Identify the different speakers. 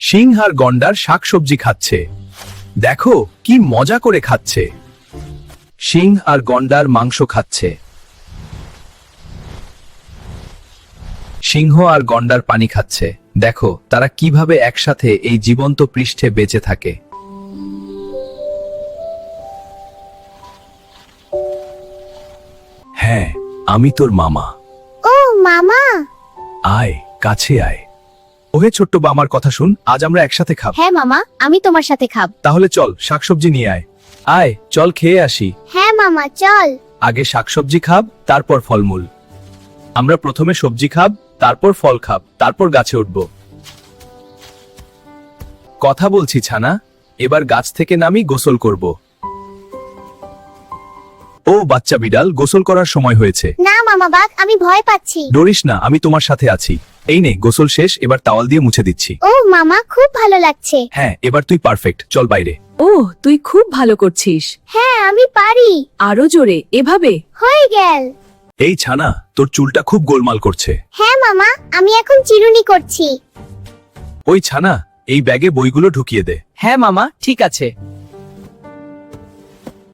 Speaker 1: সিংহ আর গন্ডার শাকসবজি খাচ্ছে। দেখো কি মজা করে খাচ্ছে। সিংহ আর গন্ডার মাংস খাচ্ছে। সিংহ আর গন্ডার পানি খাচ্ছে। দেখো তারা কিভাবে একসাথে এই জীবন্ত পৃষ্ঠে বেঁচে থাকে। হ্যাঁ, আমি তোর মামা।
Speaker 2: ও মামা।
Speaker 1: আয়, কাছে আয়। ওহে ছোট্ট বা, আমার কথা শুন, আজ আমরা একসাথে খাব।
Speaker 2: হ্যাঁ মামা, আমি তোমার সাথে খাব।
Speaker 1: তাহলে চল শাকসবজি নিয়ে আয়। আয়, চল খেয়ে আসি।
Speaker 2: হ্যাঁ মামা, চল।
Speaker 1: আগে শাকসবজি খাব, তারপর ফলমূল। আমরা প্রথমে সবজি খাব, তারপর ফল খাব, তারপর গাছে উঠব। কথা বলছি ছানা, এবার গাছ থেকে নামি গোসল করব। ও বাচ্চা বিড়াল, গোসল করার সময় হয়েছে।
Speaker 2: না মামা বাঘ, আমি ভয় পাচ্ছি।
Speaker 1: ডরিস না, আমি তোমার সাথে আছি। এই নে, গোসল শেষ, এবার টাওয়াল দিয়ে মুছে দিচ্ছি।
Speaker 2: ও মামা, খুব ভালো লাগছে।
Speaker 1: হ্যাঁ, এবার তুই পারফেক্ট, চল বাইরে।
Speaker 3: ও, তুই খুব ভালো করছিস।
Speaker 2: হ্যাঁ আমি পারি।
Speaker 3: আরো জোরে, এভাবে।
Speaker 2: হয়ে গেল।
Speaker 1: এই ছানা, তোর চুলটা খুব গোলমাল করছে।
Speaker 2: হ্যাঁ মামা, আমি এখন চিরুনি করছি।
Speaker 1: ওই ছানা, এই ব্যাগে বইগুলো ঢুকিয়ে দে।
Speaker 4: হ্যাঁ মামা, ঠিক আছে।